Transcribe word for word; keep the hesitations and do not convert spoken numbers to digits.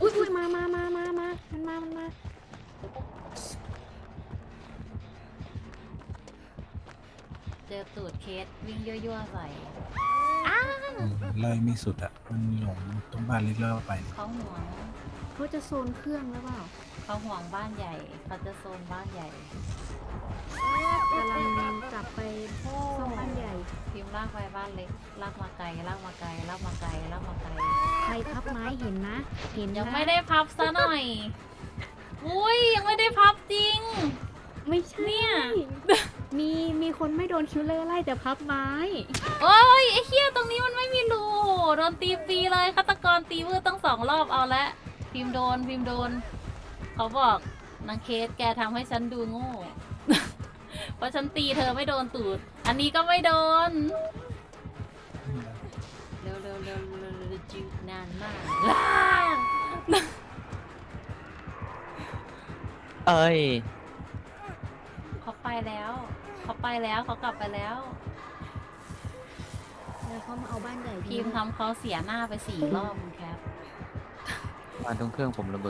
อุ้ยอุ้ยมามามามามามันมามันมาเจอตูดเคสวิ่งยั่วๆใส่อืมไล่ไม่สุดอ่ะ มันหลงตรงบ้านเล็กแล้วไปเขาห่วงเขาจะโซนเครื่องหรือเปล่าเขาห่วงบ้านใหญ่เขาจะโซนบ้านใหญ่กำลังกลับไปซ่อมบ้านใหญ่พิมพ์ลากไปบ้านเล็กลากมาไกลลากมาไกลลากมาไกลลากมาไกลใครพับไม้เห็นนะ เห็นนะยังไม่ได้พับซะหน่อย อุ้ยยังไม่ได้พับจริงไม่ใช่เนี่ยมีมีคนไม่โดนคิวเลอร์ไล่แต่พับไม้โอ้ยไอ้เหี้ยตรงนี้มันไม่มีรูโดนตีฟรีเลยฆาตกรตีมือตั้งสองรอบเอาละพิมพ์โดนพิมพ์โดน เขาบอกนางเคสแกทำให้ฉันดูโง่ เพราะฉันตีเธอไม่โดนตูด อันนี้ก็ไม่โดน เร็วเร็วเร็วเร็วเร็วจิวนานมากว้าเอ้ยเขาไปแล้ว เขาไปแล้วเขากลับไปแล้วแล้วเขามาเอาบ้านใหญ่พิมพ์ทำเขาเสียหน้าไปสี่รอบคุณแคปมาตรงเครื่องผมระเบิด